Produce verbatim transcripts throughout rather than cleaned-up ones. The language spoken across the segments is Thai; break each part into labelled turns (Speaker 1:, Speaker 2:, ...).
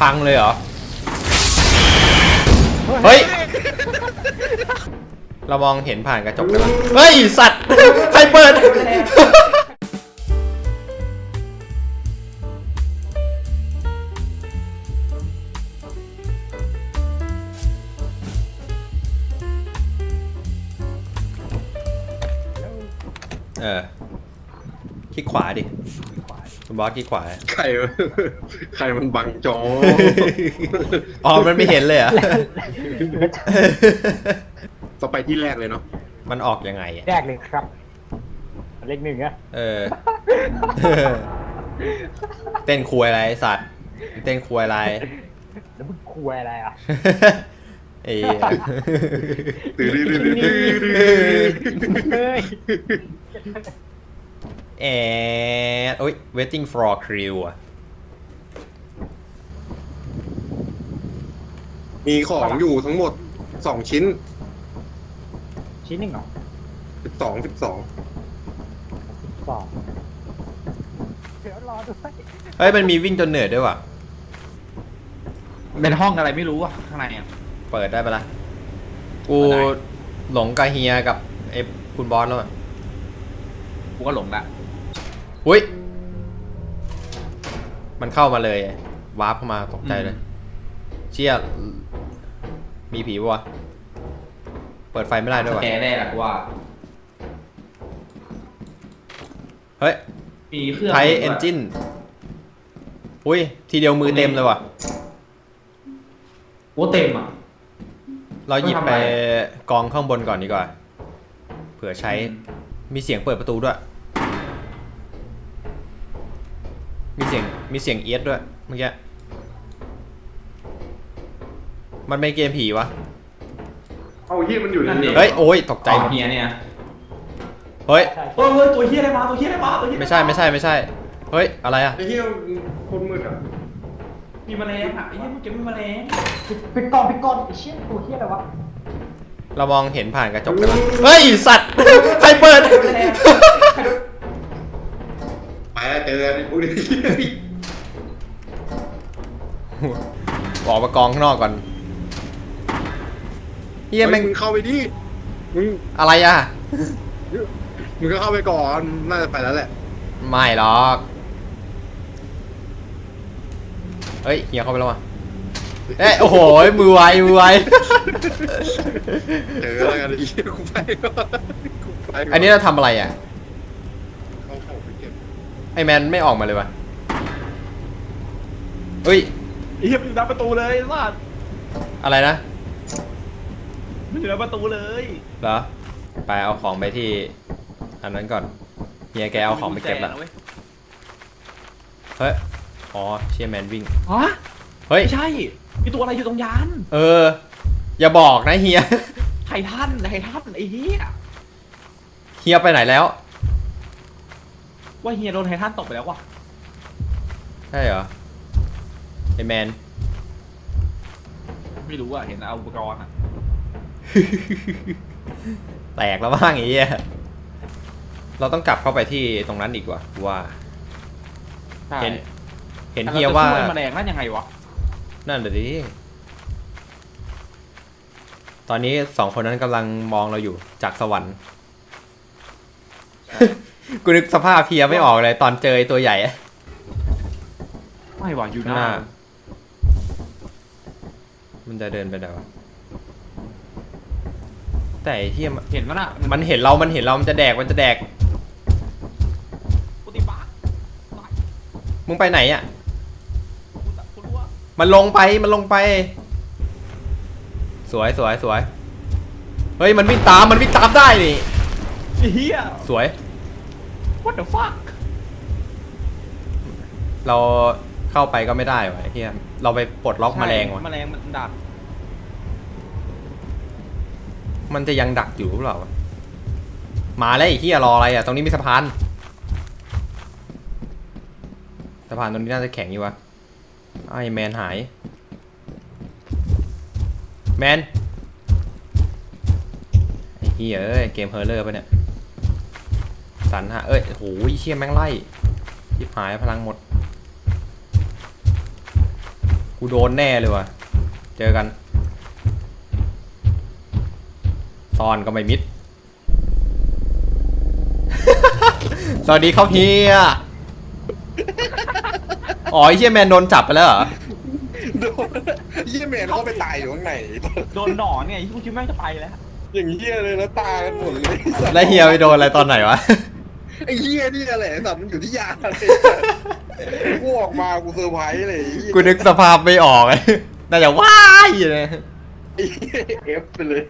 Speaker 1: พังเลยเหรอเฮ้ยเรามองเห็นผ่านกระจกได้ไหมเฮ้ยสัตว์ใครเปิดเออคลิกขวาดิคุณบอสคลิกขวา
Speaker 2: ใครใครมันบังจอ
Speaker 1: อ๋อมันไม่เห็นเลยอ่ะ
Speaker 2: ต่อไปที่แรกเลยเนาะ
Speaker 1: มันออกยังไง
Speaker 3: แรกเลยครับเลขหนึ่งอะ
Speaker 1: เออเต้นคุยอะไรสัตว์เต้นคุยอะไร
Speaker 3: แล้วมึงคุยอะไรอ่ะ
Speaker 1: เอ้ย
Speaker 2: ตื่นตื่นตื่น
Speaker 3: เฮ้ย
Speaker 1: แอดโอ้ย waiting for crew อ่ะ
Speaker 2: มีของอยู่ทั้งหมดสองชิ้น
Speaker 3: ชิ้นหนึ่งเหรอ
Speaker 2: สิบสองสิบสอง
Speaker 3: สองเดี๋ยวรอด้วย
Speaker 1: เฮ้ยมันมีวิ่งจนเหนื่อยด้วยว่ะ
Speaker 4: เป็นห้องอะไรไม่รู้อ่ะข้างในอ่ะ
Speaker 1: เปิดได้ปะล่ะกูหลงกาเฮียกับไอ้คุณบอสแล้วอ่ะ
Speaker 4: กูก็หลงละ
Speaker 1: อุ้ยมันเข้ามาเลยวาร์ปเข้ามาตกใจเลยเชี่ยมีผีปะวะเปิดไฟไม่ได้ด้วยวะ
Speaker 4: แกแน่ละกูว่า
Speaker 1: เฮ้ย
Speaker 4: มีเครื่อง
Speaker 1: ไทเอนจินอุ้ยทีเดียวมือเต็มเลยว่ะ
Speaker 4: โอ้เต็มอ่ะ
Speaker 1: เราหยิบไปกองข้างบนก่อนดีกว่าเผื่อใช้มีเสียงเปิดประตูด้วยมีเสียงมีเสียงเอียดด้วยเมื่อกี้มันเป็นเกมผีวะ
Speaker 2: เอาเฮียมันอยู่ใน
Speaker 1: เฮ้ยโอ้ยตกใจหมด
Speaker 4: เฮียเนี่ย
Speaker 1: เฮ้ย
Speaker 4: เฮ้ยตัวเฮียอะไรมาตัวเฮียอะไรมาตัวเฮีย
Speaker 1: ไม่ใช่ไม่ใช่ไม่ใช่เฮ้ยอะไรอะ
Speaker 2: ไอ้เฮียคนมืดอ่ะ
Speaker 4: มีแมลงอ่ะไอ้เฮียมันเก็บมีแมลง
Speaker 3: ปิดก่อนปิดก่อนไอ้เชี่ยตัวเฮียอะไรวะ
Speaker 1: เรามองเห็นผ่านกระจกได้ไหมเฮ้ยสัตว์ใครเปิด
Speaker 2: ไปแล้วเจอกันอุ้ย
Speaker 1: ออกมากองข้างนอกก่อนเฮียแม่ง
Speaker 2: มึงเข้าไปดิมึง
Speaker 1: อะไรอ่ะ
Speaker 2: มึงก็เข้าไปก่อนน่าจะไปแล้วแหละ
Speaker 1: ไม่หรอกเฮ้ยเฮียเข้าไปแล้ววะเอ้ยโอ้โหมือไวมือไว
Speaker 2: เจอแล้วกันอีกกูไปก่อน
Speaker 1: อันนี้เราทำอะไรอ่ะไอแมนไม่ออกมาเลยวะเฮ้ย
Speaker 4: เฮียอยู่หน้าประตูเลยสัส
Speaker 1: อะไรนะ
Speaker 4: มันอยู่หน้าประตูเลย
Speaker 1: เหรอไปเอาของไปที่อันนั้นก่อนเฮียแกเอาของไปเก็บละเฮ้ยอ๋อเชียร์แมนวิ่ง
Speaker 4: ฮะ
Speaker 1: เฮ้ย
Speaker 4: ไม่ใช่มีตัวอะไรอยู่ตรงยาน
Speaker 1: เอออย่าบอกนะเฮีย
Speaker 4: ไททันไททันไอ้เฮีย
Speaker 1: เฮียไปไหนแล้ว
Speaker 4: ว่าเฮียโดนไททันตกไปแล้ววะ
Speaker 1: ใช่เหรอไอแมน
Speaker 4: ไม่รู้อะเห็นเอาอุปกรณ์อะ
Speaker 1: แตกแล้วบ้างไอ้เหี้ยเราต้องกลับเข้าไปที่ตรงนั้นอีกว่าว่าเห็นเห็นเฮียว่า
Speaker 4: แมลงนั่นยังไงวะ
Speaker 1: นั่นเดี๋ยวดิตอนนี้สองคนนั้นกำลังมองเราอยู่จากสวรรค์กูนึกสภาพเฮียไม่ออกเลยตอนเจอตัวใหญ่
Speaker 4: ไม่หวังอยู่หน้า
Speaker 1: มันจะเดินไปไหนวะแต่เฮีย
Speaker 4: เห็นมั้ยน่ะ
Speaker 1: มันเห็นเรามันเห็นเรามันจะแดกมันจะแดกมึงไปไหนอ่ะมันลงไปมันลงไปสวยสวยสวยเฮ้ยมันวิ่งตามมันวิ่งตามได้นี่
Speaker 4: เฮีย
Speaker 1: สวย
Speaker 4: what the fuck
Speaker 1: เราเข้าไปก็ไม่ได้วะเฮียเราไปปลดล็อกแมลงวะ
Speaker 4: แมลงมันดัก
Speaker 1: มันจะยังดักอยู่หรือเปล่ามาแล้วไอ้เฮียรออะไรอ่ะตรงนี้มีสะพานสะพานตรงนี้น่าจะแข็งอยู่วะไอ้แมนหายแมนไอ้เฮียเอ้ยเกมเฮอร์เลอร์ปะเนี่ยสันฮะเอ้ยโหเชี่ยแม่งไล่ทิพหายพลังหมดกูโดนแน่เลยว่ะเจอกันซ่อนก็ไม่มิด สวัสดีครับเฮียอ๋อไอ้เฮียแมนโดนจับไปแล้วเหรอ
Speaker 2: โดนเยี่ยแมนเขาไปตายอยู่ข้างใน
Speaker 4: โดนหนอนเนี่ยไอ้พวกคิดแม่งจะไปแล้ว
Speaker 2: อย่างเยี่ยเลยแล้วตายกันหมดเลย
Speaker 1: แล้วเฮียไปโดนอะไรตอนไหนวะ
Speaker 2: ไอ้เยี่ยนี่แหละสัตว์มันอยู่ที่ยาเลยกูออกมากูเซอร์ไพรส์เลยไอ้เหี้ย
Speaker 1: กูนึกสภาพไม่ออกเลย น่าจะว้ายเลย
Speaker 2: ไอ้เหี้ยเอฟไปเลย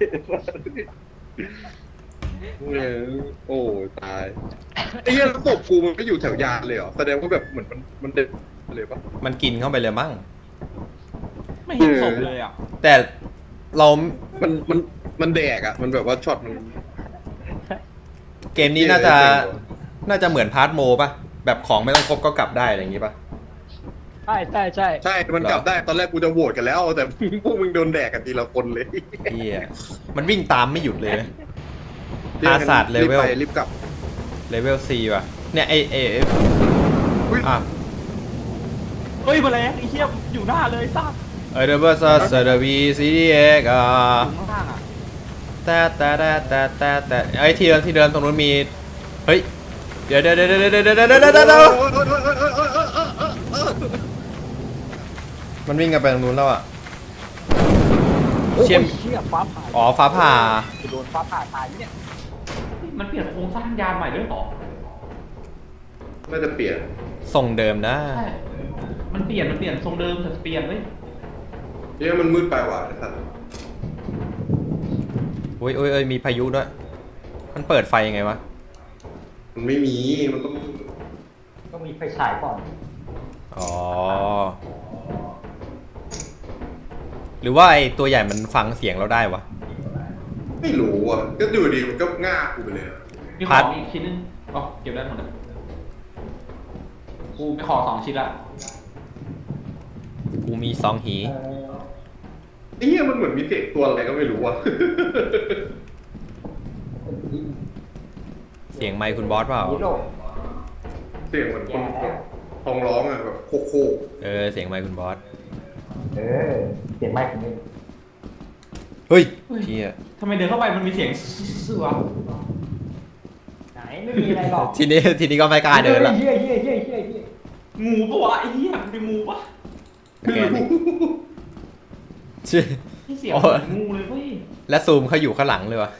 Speaker 2: เนี่ยโอ้ตายไอ้เหี้ยแล้วศพกูมันไม่อยู่แถวยานเลยเหรอแสดงว่าแบบเหมือนมันมันเด็ดเลยปะ
Speaker 1: มันกินเข้าไปเลยมั้ง
Speaker 4: ไม่เห็นศพเลยอ่ะ
Speaker 1: แต่เรา
Speaker 2: มันมันมันแดกอ่ะมันแบบว่าช็อตมัน
Speaker 1: เกมนี้น่าจะ น่าจะเหมือนพาร์ทโมป่ะ แบบของไม่ต้องครบก็กลับได้อะไรอย่างงี้ป่ะ
Speaker 3: ใช่ใช่ใช่
Speaker 2: ใช่มันกลับได้ตอนแรกกูจะโหวตกันแล้ว แต่พวกมึงโดนแดกกันทีละคนเลย
Speaker 1: เฮียมันวิ่งตามไม่หยุดเลย อาศาสตร์เลเวล
Speaker 2: รีบไปรีบกลับ
Speaker 1: เลเวล C ว่ะ เนี่ยไอเอฟ
Speaker 2: อุ๊ย
Speaker 1: อ่ะ
Speaker 4: เฮ้ยมาแล้วไอ้เหี้ยอยู่หน้าเลยซัก
Speaker 1: เอเดเบอร์ซัสเดวีซีดีเอ็กอ่ะ
Speaker 4: อยู่ข้างล่างอ่ะ
Speaker 1: แต่แต่แต่แต่แต่แต่ไอ้ที่เดิมที่เดิมตรงนู้นมี เฮ้ย เดี๋ยวเดี๋ยวเดี๋ยวเดี๋ยวเดี๋ยวเดี๋ยวเดี๋ยวเดี๋ยวเดี๋ยวมันวิ่งกันไปตรงนู้นแล้วอ่ะ เชี่ยม
Speaker 3: เชี่ยฟ้าผ่า
Speaker 1: อ๋อฟ้าผ่า
Speaker 3: โดนฟ้าผ่าตายเนี่ย
Speaker 4: มันเปลี่ยนโครงสร้างยานใหม่ด้วยเหรอ
Speaker 2: น่าจะเปลี่ยน
Speaker 1: ส่งเดิมนะ
Speaker 4: ใช่มันเปลี่ยนมันเปลี่ยนทรงเดิมแต่เปลี่ยนเว้ย
Speaker 2: เนี่ยมันมืดไปว่ะไอ้สัตว์
Speaker 1: อุ้ยอุ้ยเอ้ยมีพายุด้วย มันเปิดไฟยังไงวะ
Speaker 2: มันไม่มีมันต้อง
Speaker 3: ต้องมีไฟฉายก่อน
Speaker 1: อ๋อ หรือว่าไอตัวใหญ่มันฟังเสียงเราได้วะ
Speaker 2: ไม่รู้อ่ะก็ดูดีมันก็ง่ากูไปเลยอะ
Speaker 4: มีข
Speaker 1: พั
Speaker 4: อ
Speaker 1: ด
Speaker 4: งอีกชิ้นนึงอ๋อเก็บได้หมดเลยกูไปขอสองชิ้นละ
Speaker 1: กูมีซองหี
Speaker 2: ไอ้เหี้ยมันเหมือนมีเศษตัวอะไรก็ไม่รู้อ่ะ
Speaker 1: เสียงไมค์คุณบอสเปล่า
Speaker 3: ฮีโร่
Speaker 2: เสียงเหมือนคนท้องร้องอ่ะแบบโคโค
Speaker 1: เออ เสียงไมค์คุณบอส
Speaker 3: เออเสียงไม้ของมึง
Speaker 1: เฮ้ยเชี่ย
Speaker 4: ทำไมเดินเข้าไปมันมีเสียงเสือ
Speaker 3: ไหนไม่มีอะไรหรอก
Speaker 1: ทีนี้ทีนี้ก็ไม่กล้าเดินละ
Speaker 3: เฮียเฮียเฮียเฮียเฮีย
Speaker 4: งูปะวะไอ้เหี้ยมันเป็นงูปะ
Speaker 1: แกนี่ชื่อ
Speaker 4: ที่เสียง
Speaker 1: โอ้
Speaker 4: เหมือนงูเลยเว้ย
Speaker 1: และซูมเขาอยู่ข้างหลังเลยวะ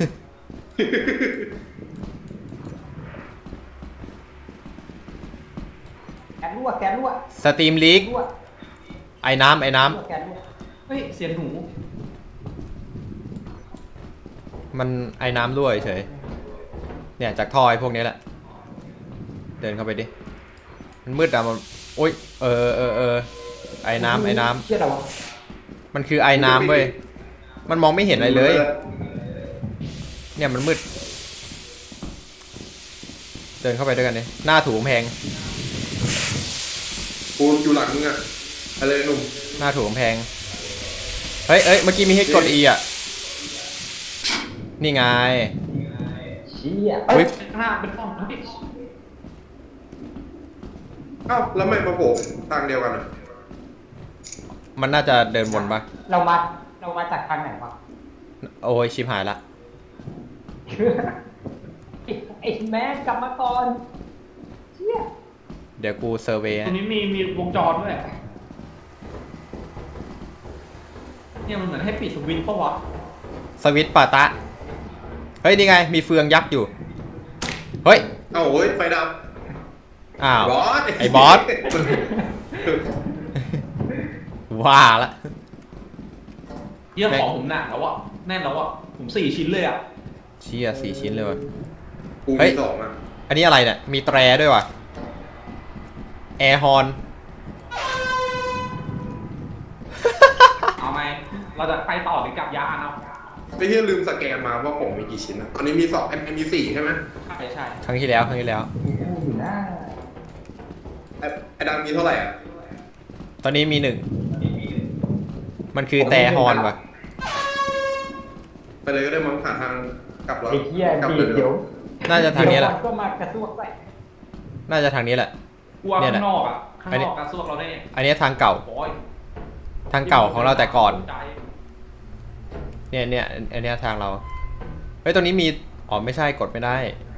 Speaker 3: แกนรั่วแกนรั่ว
Speaker 1: สตรีมลีก
Speaker 3: รั่ว
Speaker 1: ไอ้น้ำไอ้น้
Speaker 3: รั่วแกนรั่ว
Speaker 4: เฮ้ยเสียงหนู
Speaker 1: ำมันไอ้น้ำด้วยเฉย เนี่ยจากทอยพวกนี้แหละ เดินเข้าไปดิ มันมืดอะมันโอ๊ย เออเออเออไอ้น้ำไอ้น้
Speaker 3: เชี่ยอะไรวะ
Speaker 1: ำมันคือไอ้น้ำเว้ย มันมองไม่เห็นอะไรเลย เนี่ยมันมืด เดินเข้าไปด้วยกันดิหน้าถูกกำแพง
Speaker 2: กูอยู่หลังมึงอ่ะอะไรหนุ่ม
Speaker 1: หน้าถูกกำแพง เฮ้ยเอ้ย เมื่อกี้มีให้กด E อ่ะ นี่ไง
Speaker 3: เชี่ย
Speaker 1: อุ๊ย
Speaker 4: ข้างหน้าเป็นห้องเฮ้ย
Speaker 2: เอ้าแล้วไม่มาโผล่ทางเดียวกันอ่ะ
Speaker 1: มันน่าจะเดินวนปะ
Speaker 3: เรามาเรามาจากทางไหนวะ
Speaker 1: โอ้ยชิบหายละ
Speaker 3: ไอ้ไอ้แม่กลับมาก่อนเชี่ย
Speaker 1: เดี๋ยวกูเซอร์เวย์
Speaker 4: ตรงนี้มีมีวงจรด้วยเนี่ยมันเหมือนให้ปิดสวิตช์ปะวะ
Speaker 1: สวิตช์ปาตะ เฮ้ย นี่ไง มีเฟืองยักษ์อยู่ เฮ้ย
Speaker 2: เอ้าเฮ้ยไฟดับ
Speaker 1: อ้าว
Speaker 2: บอส
Speaker 1: ไอ้บอส ว่าละ
Speaker 4: เยี่ยของผมหนักแล้วอ่ะแน่นแล้วอ่ะผมสี่ชิ้นเลยอ่ะ
Speaker 1: เชี่ยสี่ชิ้นเลยว่ะ
Speaker 2: กู
Speaker 1: เฮ้
Speaker 2: มี
Speaker 1: ย
Speaker 2: สองอ่ะ
Speaker 1: อันนี้อะไรเนี่ย มีแตรด้วยว่ะ แอร์ฮอน
Speaker 4: เอาไงเราจะไปต่อหรือกลับยานเอา
Speaker 2: ไม่ใช่ลืมสแกนมาว่าของมีกี่ชิ้นอ่ะตอนนี้มีสองไอ้มีสี่ใช่ไหม
Speaker 4: ใช่ใช่
Speaker 1: ครั้งที่แล้ว ครั้งที่แล้ว
Speaker 3: อยู่หน้า
Speaker 2: ไอ้ไอ้ดังมีเท่าไหร่อ่ะ
Speaker 1: ตอนนี้มีหนึ่ง มันคือแต่ฮอนว่ะ
Speaker 2: ไปเลยก็ได้มั้งหาทางกลับแล้ว
Speaker 3: ไอ้เหี้ย
Speaker 2: กลั
Speaker 3: ดี
Speaker 2: เลย
Speaker 3: เดี๋ยว
Speaker 1: น่าจะทางนี้แหละ
Speaker 3: เดี๋ยวมันก็มากระซวกไป
Speaker 1: น่าจะทางนี้แหละ
Speaker 4: กลัว
Speaker 1: เนี่ย
Speaker 4: ข้าง
Speaker 1: นะ
Speaker 4: นอกอ่ะข้าง
Speaker 1: อัน
Speaker 4: น
Speaker 1: นี้
Speaker 4: อกการสู้เราได้
Speaker 1: อันนี้ทางเก่า
Speaker 4: โอ้ย
Speaker 1: ทางเก่าของเราแต่ก่อน เนี่ยเนี่ยอันเนี้ยทางเรา เฮ้ยตรงนี้มี อ๋อไม่ใช่กดไม่ได้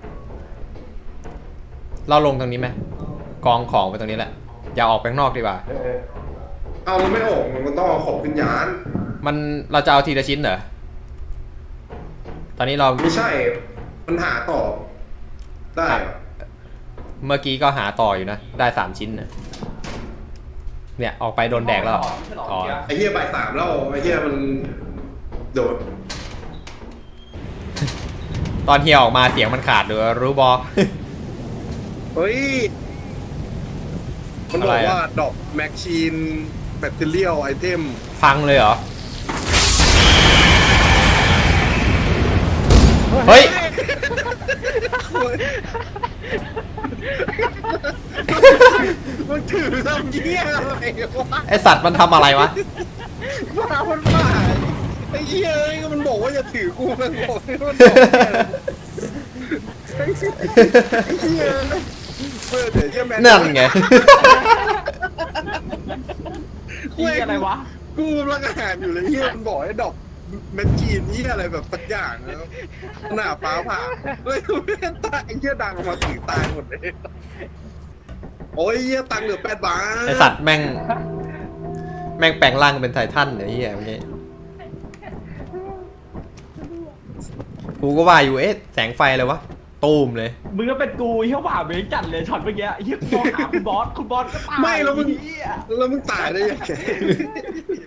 Speaker 1: เราลงตรงนี้ไหมกองของไปตรงนี้แหละ อย่าออกไปข้างนอกดีกว่า
Speaker 2: เอามันไม่ออกมันต้องเอาของขึ้นยาน
Speaker 1: มันเราจะเอาทีละชิ้นเหรอ ตอนนี้เรา
Speaker 2: ไม่ใช่มันหาต่อได้เหรอ
Speaker 1: เมื่อกี้ก็หาต่ออยู่นะ ได้สามชิ้นนะเนี่ยออกไปโดนแดกแล้ว อ๋อ
Speaker 2: ไอ้เหี้ยบ่ายสามแล้วไอ้เหี้ยมันโดด
Speaker 1: ตอนเฮียออกมาเสียงมันขาดหรือรู้บอ
Speaker 2: เฮ้ยมันบ
Speaker 1: อะ
Speaker 2: อ
Speaker 1: ไร
Speaker 2: ก
Speaker 1: อะ
Speaker 2: ว่าดอกแมชชีนแบตเตอรี่ไอเทม
Speaker 1: ฟังเลยเหรอ เฮ้ย
Speaker 2: มันถือทำเหี้ยอะไรวะ
Speaker 1: ไอสัตว์มันทำอะไรวะ
Speaker 2: มามันมาไอ้เหี้ยมันบอกว่าอย่าถือกูมันบอกให้มันบอกไอ้เหี้ยเพื่อเดี๋ยวเหี้ยแมน
Speaker 1: นั่นไง
Speaker 4: อีอะไรวะ
Speaker 2: กูกำลังอาหารอยู่เลยเหี้ยมันบอกให้ดอกแมชชีนเหี้ยอะไรแบบสักอย่างแล้วหน้าฟ้าผ่าเฮ้ยไม่ตายไอ้เหี้ยดังออกมาถึงตายหมดเลยโอ้ยเหี้ยตังค์เหลือแปดบาท
Speaker 1: ไอสัตว์แม่ง แม่งแปลงร่างเป็นไททันไอ้เหี้ยเมื่อกี้กูก็ว่าอยู่เอ๊ะแสงไฟอะไรวะ ตูมเลย
Speaker 4: มึงก็เป็นกูเฮียว่าเบงจัดเลยช็อตเมื่อกี้เฮียกูมองหาคุณบอสคุณบอสก็ตาย
Speaker 2: ไม่แล้วมึง
Speaker 4: เฮีย
Speaker 2: แล้วมึงตายได้ยังไง